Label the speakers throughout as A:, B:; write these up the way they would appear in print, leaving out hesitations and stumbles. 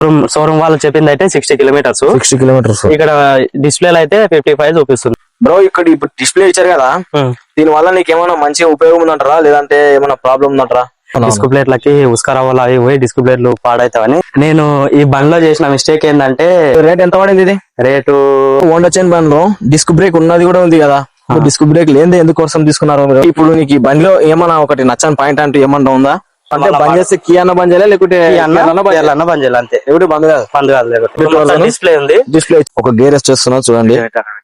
A: Showroom వాళ్ళు చెప్పింది అయితే 60 కిలోమీటర్స్. ఇక్కడ డిస్ప్లే అయితే 55 చూపిస్తుంది.
B: బ్రో ఇక్కడ ఇప్పుడు డిస్ప్లే ఇచ్చారు కదా, దీని వల్ల నీకు ఏమైనా మంచి ఉపయోగం ఉందంటారా లేదంటే ఏమైనా ప్రాబ్లం ఉందంటారా?
A: డిస్క్ ప్లేట్లకి ఉస్కరావాలు అవి పోయి డిస్క్ ప్లేట్లు పాడైతావని. నేను ఈ బండ్లో చేసిన మిస్టేక్ ఏంటంటే
B: రేట్ ఎంత పడింది ఇది?
A: రేటు
B: హోండా చైన్ బండ్లో డిస్క్ బ్రేక్ ఉన్నది కూడా ఉంది కదా, డిస్క్ బ్రేక్ లేదే ఎందుకోసం తీసుకున్నారు మీరు? ఇప్పుడు నీకు ఈ బండిలో ఏమన్నా ఒకటి నచ్చని పాయింట్ అంటూ ఏమన్నా ఉందా? అంటే బంద్ చేస్తే కీ అన్న బంద్ చేయాలి లేకుంటే
A: అన్న బంద్ చేయాలి అంతే.
B: ఎప్పుడు బంద్ కాదు,
A: బంద్ కాదు. డిస్ప్లే ఉంది,
B: డిస్ప్లే ఒక గేర్ చేస్తున్నా చూడండి.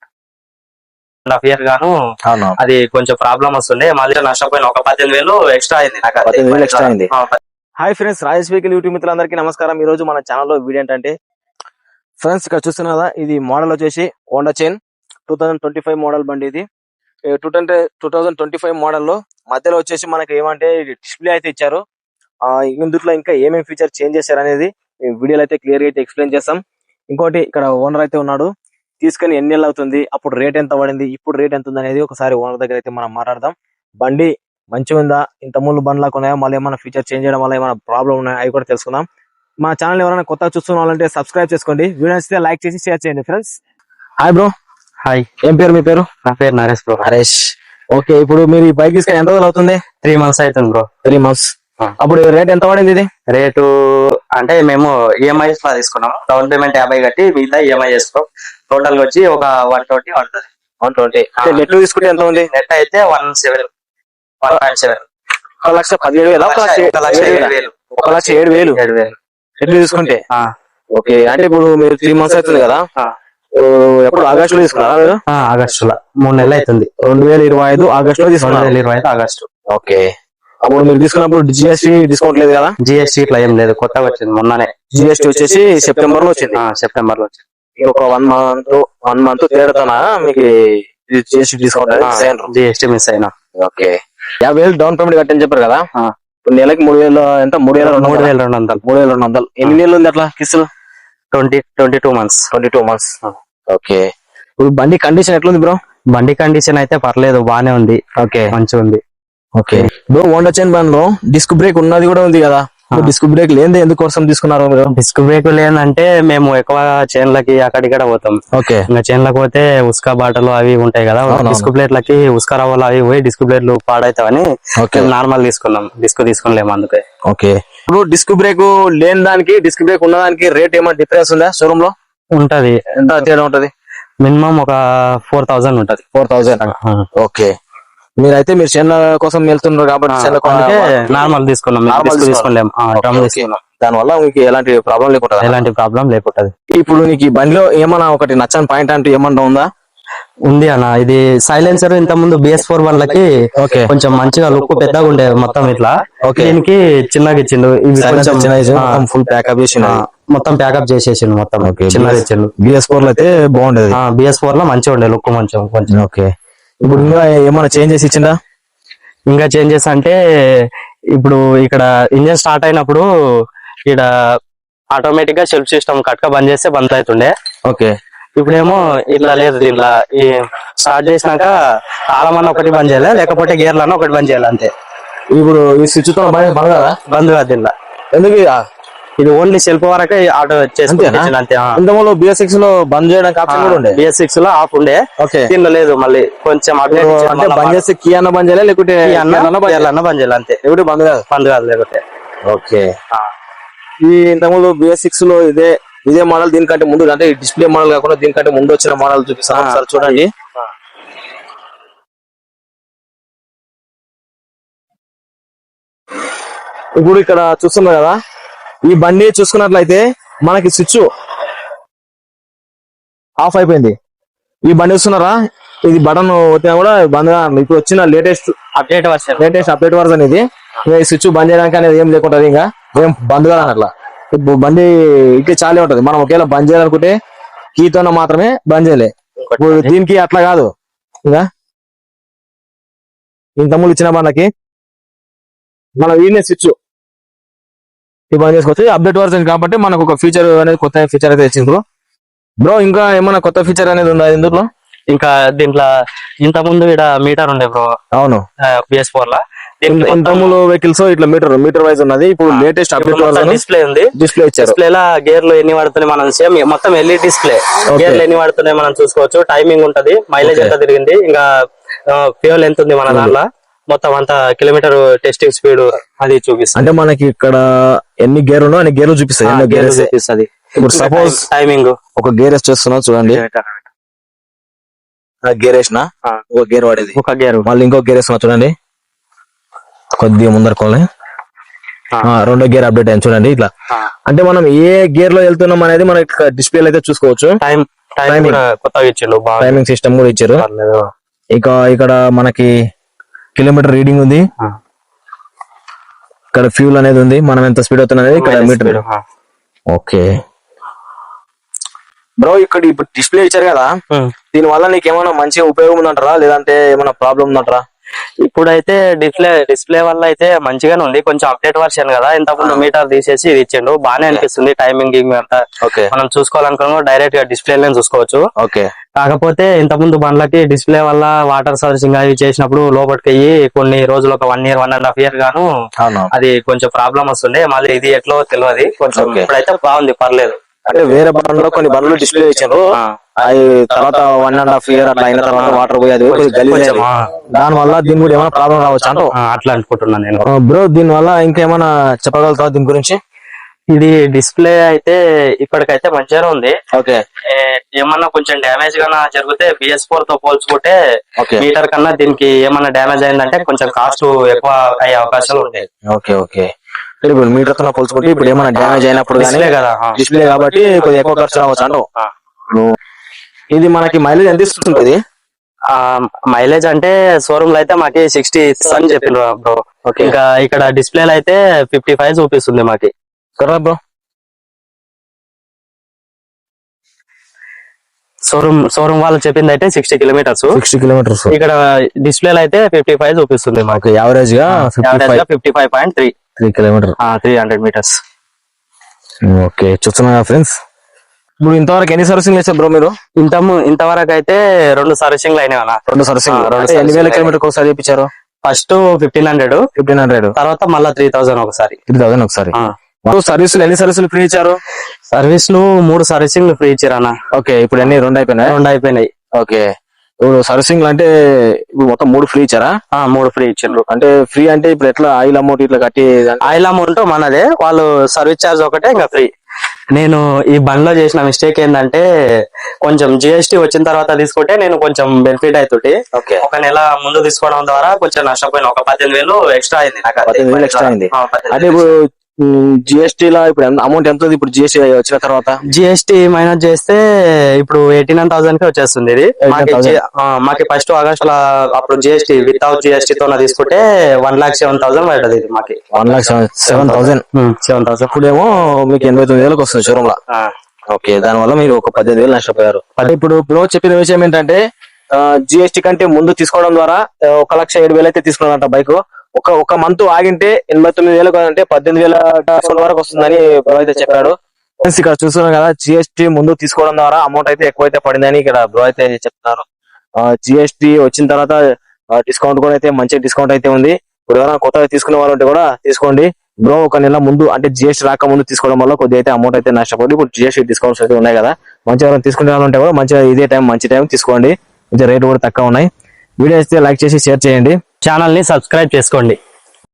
A: ఇయర్ గాను అది కొంచెం ప్రాబ్లం వస్తుండే, మళ్ళీ నష్టపోయిన ఒక 18,000 ఎక్స్ట్రా అయింది.
B: 18,000 ఎక్స్ట్రా అయింది. Hi friends, Rajesh vehicle YouTube మిత్రులందరికీ నమస్కారం. ఈ రోజు మన ఛానల్లో వీడియో ఏంటంటే ఫ్రెండ్స్ ఇక్కడ చూస్తున్నా ఇది మోడల్ వచ్చేసి హోండా చైన్ 2025 మోడల్ బండి. ఇది 2025 మోడల్లో మధ్యలో వచ్చేసి మనకి ఏమంటే డిస్ప్లే అయితే ఇచ్చారు. ఇందులో ఇంకా ఏమేమి ఫీచర్ చేంజ్ చేశారు అనేది వీడియోలో అయితే క్లియర్ గా అయితే ఎక్స్ప్లెయిన్ చేస్తాం. ఇంకోటి ఇక్కడ ఓనర్ అయితే ఉన్నాడు, తీసుకుని ఎన్ని నెలలు అవుతుంది, అప్పుడు రేట్ ఎంత పడింది, ఇప్పుడు రేట్ ఎంత ఉంది అనేది ఒకసారి ఓనర్ దగ్గర అయితే మనం మాట్లాడదాం. బండి మంచిగా ఉందా, ఇంత ముందు బండ్లకు ఉన్నాయా, మళ్ళీ ఏమైనా ఫీచర్ చేంజ్ చేయడం వల్ల ఏమైనా ప్రాబ్లం ఉన్నాయా అవి కూడా తెలుసుకుందాం. మా ఛానల్ ఎవరైనా కొత్తగా చూస్తున్న వాళ్ళంటే సబ్స్క్రైబ్ చేసుకోండి, వీడియో నచ్చితే లైక్ చేసి షేర్ చేయండి ఫ్రెండ్స్. Hi bro.
A: హాయ్.
B: ఏం పేరు మీ పేరు?
A: నా పేరు నరేష్ బ్రో.
B: నరేష్. ఓకే, ఇప్పుడు మీరు ఈ బైక్ తీసుకుని ఎంత రోజులు అవుతుంది?
A: 3 months అవుతుంది బ్రో.
B: 3 months. అప్పుడు రేట్ ఎంత పడింది ఇది?
A: రేటు అంటే మేము ఈఎంఐ తీసుకున్నాము. డౌన్ పేమెంట్ 50 కట్టి మిగతా ఈఎంఐ చేసుకో. టోటల్ గా వచ్చి ఒక 120 పడుతుంది.
B: 120. నెట్ తీసుకుంటే ఎంత ఉంది?
A: నెట్ అయితే 1.7.
B: 1,17,000. 1,07,000 నెట్ తీసుకుంటే. ఓకే, అంటే ఇప్పుడు మీరు 3 months అవుతుంది కదా, ఎప్పుడు ఆగస్టులో తీసుకున్నారా మీరు?
A: ఆగస్టులో 3 నెలలు అవుతుంది.
B: 2025 ఆగస్టులో తీసుకున్నారు.
A: 2025 ఆగస్టు.
B: ఓకే, అప్పుడు మీరు తీసుకున్నప్పుడు జిఎస్టీ డిస్కౌంట్ లేదు కదా?
A: జిఎస్టీ ఇట్లా ఏం లేదు, కొత్తగా వచ్చింది మొన్ననే.
B: జిఎస్టీ వచ్చేసి సెప్టెంబర్ లో వచ్చింది.
A: సెప్టెంబర్ లో వచ్చింది.
B: ఒక 1 month తేడాతోనా మీకు జిఎస్టీ డిస్కౌంట్?
A: జిఎస్టీ మిస్ అయినా.
B: ఓకే, 50,000 డౌన్ పేమెంట్ కట్టని చెప్పారు కదా, నెలకి 3,000 ఎంత?
A: 3,200.
B: 3,200. ఎన్ని నెలలు ఉంది అట్లా కిస్తులు?
A: 22 months.
B: 22 months. ఓకే, ఇప్పుడు బండి కండిషన్ ఎట్లుంది బ్రో?
A: బండి కండిషన్ అయితే పర్లేదు, బానే ఉంది.
B: ఓకే,
A: మంచిగా ఉంది.
B: ఓకే బ్రో, హోండా చైన్ బండ్లో డిస్క్ బ్రేక్ ఉన్నది కూడా ఉంది కదా, డిస్క్ బ్రేక్ లేదే ఎందుకోసం తీసుకున్నారు మీరు?
A: డిస్క్ బ్రేక్ లేదంటే మేము ఎక్కువ చైన్లకి అక్కడిక్కడ పోతాం.
B: ఓకే,
A: ఇంకా చైన్లకు పోతే ఉస్కా బాటలు అవి ఉంటాయి కదా, డిస్క్ ప్లేట్లకి ఉస్కా రవ్వలు అవి పోయి డిస్క్ ప్లేట్లు పాడైతావని నార్మల్ తీసుకున్నాం. డిస్క్ తీసుకోలేము అందుకే.
B: ఓకే, ఇప్పుడు డిస్క్ బ్రేక్ లేని దానికి డిస్క్ బ్రేక్ ఉన్న దానికి రేట్ ఏమైనా డిఫరెన్స్ ఉందా షోరూమ్ లో?
A: ఉంటది.
B: ఎంత తేడా ఉంటది?
A: మినిమం ఒక 4,000 ఉంటది.
B: 4,000. ఓకే, మీరైతే మీరు చైన్ల కోసం వెళ్తున్నారు కాబట్టి
A: నార్మల్ తీసుకున్నాం. తీసుకోలేము,
B: దానివల్ల మీకు ఎలాంటి ప్రాబ్లం లేకుండా?
A: ఎలాంటి ప్రాబ్లం లేకుంటది.
B: ఇప్పుడు నీకు ఈ బండిలో ఏమన్నా ఒకటి నచ్చని పాయింట్ అంటూ ఏమన్నా ఉందా?
A: ఉంది అన్న, ఇది సైలెన్సర్. ఇంత ముందు BS4 బండ్లకి కొంచెం మంచిగా లుక్ పెద్దగా ఉండే మొత్తం ఇట్లా, దీనికి చిన్నగా ఇచ్చిండు.
B: ఫుల్ ప్యాకప్ చేసి
A: మొత్తం ప్యాకప్ చేసేసిండు, మొత్తం చిన్నగా ఇచ్చిండు.
B: BS4 లో అయితే బాగుండేది.
A: BS4 లో మంచిగా ఉండే లుక్ కొంచెం.
B: ఓకే, ఇప్పుడు ఇంకా ఏమైనా చేంజెస్ ఇచ్చిందా?
A: ఇంకా చేంజెస్ అంటే ఇప్పుడు ఇక్కడ ఇంజన్ స్టార్ట్ అయినప్పుడు ఇక్కడ ఆటోమేటిక్ గా సెల్ఫ్ సిస్టమ్ కట్క బంద్ చేస్తే బంద్ అవుతుండే.
B: ఓకే,
A: ఇప్పుడేమో ఇట్లా లేదు. దీంట్లో ఈ స్టార్ట్ చేసినాక తాళమన్న ఒకటి బంద్ చేయాలి, లేకపోతే గేర్లన్న ఒకటి బంద్ చేయాలి అంతే.
B: ఇప్పుడు ఈ స్విచ్ తో
A: బంద్ కాదు దీంట్లో.
B: ఎందుకు?
A: ఇది ఓన్లీ సెల్ఫ్ వరకే ఆటో చేసుకుంటే అంతే.
B: ఇంతలో BS6 లో బంద్ చేయడానికి ఆప్షన్ కూడా ఉండే.
A: BS6 లో ఆఫ్ ఉండే, దీనిలో లేదు. మళ్ళీ కొంచెం
B: అంటే బంద్ చేస్తే కీ అన్న బంద్ చేయాలి, లేకుంటే
A: అన్న బంద్ చేయాలి అంతే.
B: ఎప్పుడు బంద్ కాదు
A: లేకపోతే.
B: ఓకే, ఈ ఇంతకుముందు BS6 లో ఇదే మోడల్ దీనికంటే ముందు, అంటే డిస్ప్లే మోడల్ కాకుండా దీనికంటే ముందు వచ్చిన మోడల్ చూపిస్తాను సార్, చూడండి. ఇప్పుడు ఇక్కడ చూస్తున్నాం కదా, ఈ బండి చూసుకున్నట్లయితే మనకి స్విచ్ ఆఫ్ అయిపోయింది. ఈ బండి చూస్తున్నారా, ఇది బటన్ వచ్చినా కూడా బంద్. ఇప్పుడు వచ్చిన లేటెస్ట్ అప్డేట్ వర్షన్ ఇది. స్విచ్ బంద్ చేయడానికి అనేది ఏం లేకుంటది, ఇంకా ఏం బంద్ కాదని అట్లా. బండి ఇట్లా చాలే ఉంటది. మనం ఒకవేళ బంద్ చేయాలనుకుంటే కీతోన మాత్రమే బంద్ చేయలే. ఇప్పుడు దీనికి అట్లా కాదు, ఇంకా ఇంతకుముందు ఇచ్చిన బండికి మనం వీడినే స్విచ్ బంద్ చేసుకోవచ్చు. అప్డేట్ వర్షన్ కాబట్టి మనకు ఒక ఫీచర్ అనేది, కొత్త ఫీచర్ అయితే ఇచ్చింది బ్రో. ఇంకా ఏమైనా కొత్త ఫీచర్ అనేది ఉందా ఇందులో?
A: ఇంకా దీంట్లో ఇంత ముందు ఇక్కడ మీటర్ ఉండే బ్రో.
B: అవును,
A: BS4 లో
B: ఇంతకుముందు వెహికల్స్ ఇట్లా మీటర్ వైజ్ ఉన్నది. ఇప్పుడు లేటెస్ట్ అప్డేట్
A: డిస్ప్లే ఉంది.
B: డిస్ప్లే ఇచ్చారు.
A: డిస్ప్లే లా గేర్లు ఎన్ని పడుతున్నాయి మనం సేమ్ మొత్తం ఎల్ఈడి డిస్ప్లే. గేర్లు ఎన్ని పడుతున్నాయి మనం చూసుకోవచ్చు. టైమింగ్ ఉంటది, మైలేజ్ ఎంత తిరిగింది, ఇంకా ఫ్యూయల్ ఎంత ఉంది మన దాంట్లో, మొత్తం అంత కిలోమీటర్ టెస్టింగ్ స్పీడ్ అది చూపిస్తుంది.
B: అంటే మనకి ఇక్కడ ఎన్ని గేర్ ఉన్నా అన్ని గేర్లు చూపిస్తాయి.
A: చూపిస్తుంది.
B: ఇప్పుడు సపోజ్
A: టైమింగ్
B: ఒక గేర్ వేసి చూస్తున్నాం చూడండి. గేర్ వేసిన ఒక గేర్ వాడేది,
A: ఒక గేర్
B: మళ్ళీ ఇంకో గేర్ వేస్తున్నా చూడండి. కొద్దిగా ముందరకోలే రెండో గేర్ అప్డేట్ అయింది చూడండి. ఇట్లా అంటే మనం ఏ గేర్ లో వెళ్తున్నాం అనేది మనకి డిస్ప్లే అయితే చూసుకోవచ్చు.
A: కొత్తగా ఇచ్చిండు,
B: టైమింగ్ సిస్టమ్ కూడా ఇచ్చారు. ఇక ఇక్కడ మనకి కిలోమీటర్ రీడింగ్ ఉంది, ఇక్కడ ఫ్యూల్ అనేది ఉంది, మనం ఎంత స్పీడ్ అవుతున్నది ఇక్కడ మీటర్. ఓకే బ్రో, ఇక్కడ ఇప్పుడు డిస్ప్లే ఇచ్చారు కదా, దీని వల్ల నీకు ఏమైనా మంచిగా ఉపయోగం ఉందంటారా లేదంటే ఏమైనా ప్రాబ్లం ఉందంటారా?
A: ఇప్పుడైతే డిస్ప్లే వల్ల అయితే మంచిగానే ఉంది. కొంచెం అప్డేట్ వర్షన్ కదా, ఇంతకుముందు మీటర్ తీసేసి ఇది ఇచ్చిండు, బానే అనిపిస్తుంది. టైమింగ్ అంతా మనం చూసుకోవాలనుకున్నా డైరెక్ట్ గా డిస్ప్లే చూసుకోవచ్చు. కాకపోతే ఇంతకుముందు బండ్లకి డిస్ప్లే వల్ల వాటర్ సర్వీసింగ్ అవి చేసినప్పుడు లోపలికి అయ్యి కొన్ని రోజులు ఒక 1 year 1.5 year గాను అది కొంచెం ప్రాబ్లం వస్తుండే. మళ్ళీ ఇది ఎట్లో తెలియదు, కొంచెం ఇప్పుడైతే బాగుంది, పర్లేదు.
B: అంటే వేరే బండ్లో కొన్ని బండ్లు డిస్ప్లే ఇచ్చారు, అది తర్వాత 1.5 year అట్లా అయిన తర్వాత వాటర్ పోయి అది దాని వల్ల దీని కూడా ఏమైనా ప్రాబ్లం రావచ్చు అంటూ
A: అట్లా అనుకుంటున్నాను నేను.
B: బ్రో దీని వల్ల ఇంకేమైనా చెప్పగలుగుతావా దీని గురించి?
A: ఇది డిస్ప్లే అయితే ఇప్పటికైతే మంచిగానే ఉంది.
B: ఓకే,
A: ఏమన్నా కొంచెం డ్యామేజ్ గానా జరిగితే BS4 తో పోల్చుకుంటే మీటర్ కన్నా దీనికి ఏమన్నా డ్యామేజ్ అయిందంటే కొంచెం కాస్ట్ ఎక్కువ అయ్యే అవకాశాలు ఉంటాయి.
B: ఓకే ఓకే, ఇప్పుడు మీటర్ తో పోల్చుకుంటే ఇప్పుడు ఏమైనా డ్యామేజ్ అయినప్పుడు
A: కదా
B: డిస్ప్లే కాబట్టి కొద్దిగా ఎక్కువ ఖర్చు రావచ్చు అంటూ. ఇది మనకి మైలేజ్ ఎంత ఇస్తుంది?
A: మైలేజ్ అంటే షోరూమ్ లో అయితే మాకి 60 అని చెప్పిండ్రు బ్రో. ఇంకా ఇక్కడ డిస్ప్లేలో అయితే 55 చూపిస్తుంది మాకి.
B: బ్రో
A: షోరూమ్ వాళ్ళు చెప్పింది అయితే 60 kilometers. ఇక్కడ డిస్ప్లేలో అయితే 55 చూపిస్తుంది మాకు.
B: యావరేజ్ గా
A: 55.3
B: కిలోమీటర్,
A: 300 meters.
B: ఓకే, చూస్తున్నా ఫ్రెండ్స్. ఇప్పుడు ఇంతవరకు ఎన్ని సర్వీసింగ్ చేశారు బ్రో మీరు?
A: ఇంతవరకు అయితే 2 సర్వీసింగ్లు అయినాయి అన్న.
B: 2 సర్వీసింగ్. ఎన్ని వేల కిలోమీటర్ ఒకసారి చేయించారు?
A: ఫస్ట్ 1500, తర్వాత మళ్ళీ 3000 ఒకసారి.
B: 3000 ఒకసారి. సర్వీసులు ఎన్ని సర్వీసులు ఫ్రీ ఇచ్చారు?
A: సర్వీసులు 3 సర్వీసింగ్లు ఫ్రీ ఇచ్చారు అన్న.
B: ఓకే, ఇప్పుడు అన్ని 2 అయిపోయినాయి. ఓకే, ఇప్పుడు సర్వీసింగ్ అంటే ఇప్పుడు మొత్తం 3 ఫ్రీ ఇచ్చారా?
A: 3 ఫ్రీ ఇచ్చారు.
B: అంటే ఫ్రీ అంటే ఇప్పుడు ఎట్లా ఆయిల్ అమౌంట్ ఇట్లా కట్టి?
A: ఆయిల్ అమౌంట్ మనదే, వాళ్ళు సర్వీస్ చార్జ్ ఒకటే ఇంకా ఫ్రీ. నేను ఈ బండ్లో చేసిన మిస్టేక్ ఏంటంటే కొంచెం GST వచ్చిన తర్వాత తీసుకుంటే నేను కొంచెం బెనిఫిట్ అవుతుంది. ఒక నెల ముందు తీసుకోవడం ద్వారా కొంచెం నష్టపోయిన, ఒక 18,000 ఎక్స్ట్రా అయింది నాకు.
B: 18,000 ఎక్స్ట్రా అయింది. అంటే ఇప్పుడు GST లా ఇప్పుడు అమౌంట్ ఎంత? ఇప్పుడు GST వచ్చిన తర్వాత
A: GST మైనస్ చేస్తే ఇప్పుడు 89,000 కి వచ్చేస్తుంది. ఇది మాకి ఫస్ట్ ఆగస్ట్ లో అప్పుడు GST వితౌట్ GST తో తీసుకుంటే 1,07,000 పడ్డది. ఇది మాకి
B: 1,07,000. ఇప్పుడేమో మీకు 89,000 వస్తుంది షోరూమ్ లో. ఓకే, దాని వల్ల మీరు ఒక 18,000 నష్టపోయారు. ఇప్పుడు బ్రో చెప్పిన విషయం ఏంటంటే GST కంటే ముందు తీసుకోవడం ద్వారా 1,07,000 అయితే తీసుకున్నారంట బైక్. ఒక మంత్ ఆగింటే 89,000 అంటే 18,000 వరకు వస్తుందని బ్రో అయితే చెప్పాడు. ఇక్కడ చూస్తున్నాం కదా, GST ముందు తీసుకోవడం ద్వారా అమౌంట్ అయితే ఎక్కువైతే పడిందని ఇక్కడ బ్రో అయితే చెప్తున్నారు. GST వచ్చిన తర్వాత డిస్కౌంట్ కూడా అయితే మంచి డిస్కౌంట్ అయితే ఉంది. ఇప్పుడు ఎవరైనా కొత్తగా తీసుకునే వాళ్ళు ఉంటే కూడా తీసుకోండి బ్రో. ఒక నెల ముందు అంటే GST రాక ముందు తీసుకోవడం వల్ల కొద్దిగా అయితే అమౌంట్ అయితే నష్టపోయింది. ఇప్పుడు GST డిస్కౌంట్స్ అయితే ఉన్నాయి కదా, మంచిగా ఎవరైనా తీసుకునే వాళ్ళు ఉంటే కూడా మంచిగా ఇదే మంచి టైం తీసుకోండి. కొంచెం రేట్ కూడా తక్కువ ఉన్నాయి. వీడియో అయితే లైక్ చేసి షేర్ చేయండి,
A: ఛానల్ ని సబ్స్క్రైబ్ చేసుకోండి.